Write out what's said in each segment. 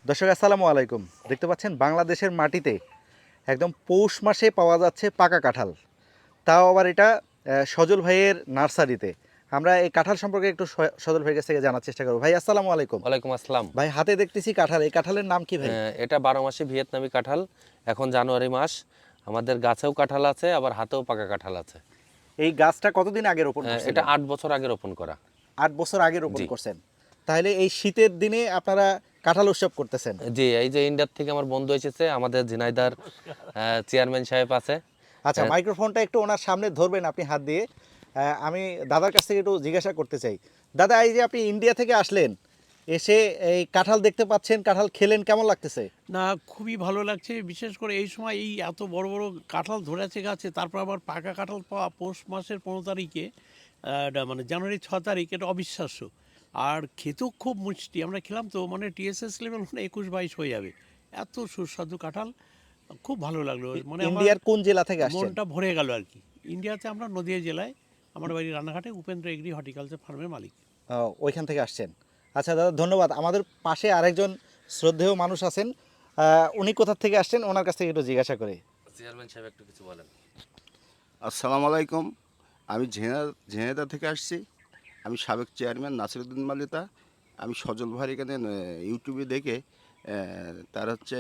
দর্শক আসসালামু আলাইকুম। দেখতে পাচ্ছেন বাংলাদেশের মাটিতে একদম পৌষ মাসে পাওয়া যাচ্ছে পাকা কাঁঠাল, তাও আবার এটা সজল ভাইয়ের নার্সারিতে। আমরা এই কাঁঠাল সম্পর্কে একটু সজল ভাইয়ের কাছ থেকে জানার চেষ্টা করবো। ভাই আসসালামু আলাইকুম। ওয়ালাইকুম আসসালাম। ভাই হাতে দেখতেছি কাঁঠাল, এই কাঁঠালের নাম কি ভাই? এটা 12 মাসে ভিয়েতনামি কাঁঠাল। এখন জানুয়ারি মাস, আমাদের গাছেও কাঁঠাল আছে, আবার হাতেও পাকা কাঁঠাল আছে। এই গাছটা কতদিন আগে রোপণ এটা করছিলেন? 8 বছর আগে রোপণ করা। 8 বছর আগে রোপণ জি। করছেন। তাহলে এই শীতের দিনে আপনারা কাঁঠাল উৎসব করতেছেন? জি, এই যে ইন্ডিয়ার থেকে আমার বন্ধু এসেছে, আমাদের ঝিনাইদার চেয়ারম্যান সাহেব আছে। আচ্ছা, মাইক্রোফোনটা একটু ওনার সামনে ধরবেন আপনি হাত দিয়ে। আমি দাদার কাছ থেকে একটু জিজ্ঞাসা করতে চাই। দাদা, এই যে আপনি ইন্ডিয়া থেকে আসলেন, এসে এই কাঁঠাল দেখতে পাচ্ছেন, কাঁঠাল খেলেন, কেমন লাগতেছে? না, খুবই ভালো লাগছে। বিশেষ করে এই সময় এই এত বড় বড় কাঁঠাল ধরেছে গাছে, তারপর আবার পাকা কাঁঠাল পাওয়া পৌষ মাসের 15 তারিখে, এটা মানে জানুয়ারি 6 তারিখ, এটা অবিশ্বাস্য। আর খেতেও খুব মিষ্টি। আমরা খেলাম তো, মানে টিএসএস লেভেল মানে 21-22 হয়ে যাবে, এত সুস্বাদু কাঁঠাল। খুব ভালো লাগলো, মানে আমার ইন্ডিয়ার কোন জেলা থেকে আসছেন? মনটা ভরে গেল আর কি। ইন্ডিয়াতে আমরা নদিয়া জেলায়, আমার বাড়ি রানাঘাটে, উপেন্দ্র এগ্রি হর্টিকালচার ফার্মের মালিক। ওইখান থেকে আসছেন। আচ্ছা দাদা, ধন্যবাদ। আমাদের পাশে আরেকজন শ্রদ্ধেয় মানুষ আছেন, উনি কোথা থেকে আসছেন, ওনার কাছ থেকে একটু জিজ্ঞাসা করি। চেয়ারম্যান সাহেব একটু কিছু বলেন। আসসালামু আলাইকুম। আমি ঝিনাইদহ থেকে আসছি। আমি সাবেক চেয়ারম্যান নাসিরউদ্দিন মালিতা। আমি সজল ভাইয়ের এখানে ইউটিউবে দেখে তার হচ্ছে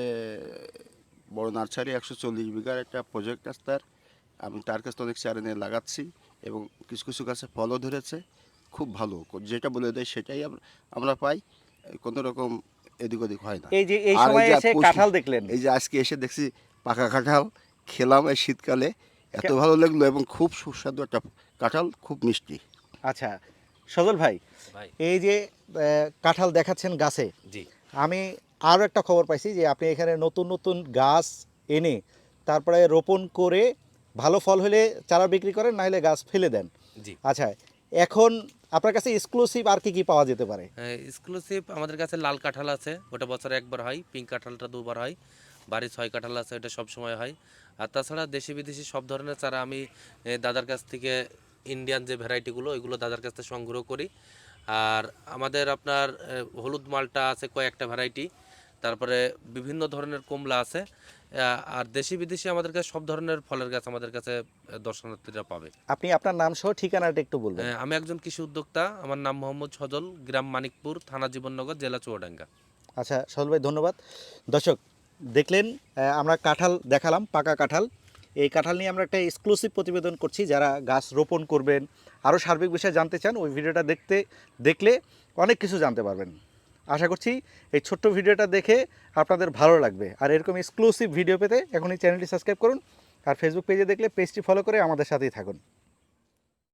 বড় নার্সারি 140 বিঘার একটা প্রজেক্ট আছে তার। আমি তার কাছে অনেক চারা নিয়ে লাগাচ্ছি এবং কিছু কিছু গাছে ফলও ধরেছে। খুব ভালো, যেটা বলে দেয় সেটাই আমরা পাই, কোনো রকম এদিক ওদিক হয় না। এই যে এই আর সময় যে এসে কাঁঠাল দেখলেন, এই যে আজকে এসে দেখছি পাকা কাঁঠাল খেলাম এই শীতকালে, এত ভালো লাগলো এবং খুব সুস্বাদু একটা কাঁঠাল, খুব মিষ্টি। আচ্ছা সজল ভাই, ভাই। এই যে কাঁঠাল দেখাচ্ছেন গাছে, জি। আমি আরও একটা খবর পাইছি যে আপনি এখানে নতুন নতুন গাছ এনে তারপরে রোপণ করে ভালো ফল হলে চারা বিক্রি করেন, না হলে গাছ ফেলে দেন। জি। আচ্ছা, এখন আপনার কাছে এক্সক্লুসিভ আর কি কি পাওয়া যেতে পারে? এক্সক্লুসিভ আমাদের কাছে লাল কাঁঠাল আছে, ওটা বছরে একবার হয়। পিঙ্ক কাঁঠালটা 2বার হয়। বাড়ি 6 কাঁঠাল আছে, এটা সব সময় হয়। আর তাছাড়া দেশি বিদেশি সব ধরনের চারা আমি দাদার কাছ থেকে, ইন্ডিয়ান যে ভ্যারাইটিগুলো, ওইগুলো দাদার কাছ থেকে সংগ্রহ করি। আর আমাদের আপনার হলুদ মালটা আছে কয়েকটা ভ্যারাইটি, তারপরে বিভিন্ন ধরনের কমলা আছে। আর দেশি বিদেশি আমাদের কাছে সব ধরনের ফলের গাছ আমাদের কাছে দর্শনার্থীরা পাবে। আপনি আপনার নাম সহ ঠিকানাটা একটু বলবেন। আমি একজন কৃষি উদ্যোক্তা, আমার নাম মোহাম্মদ সজল, গ্রাম মানিকপুর, থানা জীবননগর, জেলা চুয়াডাঙ্গা। আচ্ছা সজল ভাই, ধন্যবাদ। দর্শক দেখলেন, আমরা কাঁঠাল দেখালাম, পাকা কাঁঠাল। এই কাঁঠাল নিয়ে আমরা একটা এক্সক্লুসিভ প্রতিবেদন করছি। যারা গাছ রোপণ করবেন, আরও সার্বিক বিষয়ে জানতে চান, ওই ভিডিওটা দেখলে অনেক কিছু জানতে পারবেন। আশা করছি এই ছোট্ট ভিডিওটা দেখে আপনাদের ভালো লাগবে। আর এরকম এক্সক্লুসিভ ভিডিও পেতে এখনই চ্যানেলটি সাবস্ক্রাইব করুন, আর ফেসবুক পেজে দেখলে পেজটি ফলো করে আমাদের সাথেই থাকুন।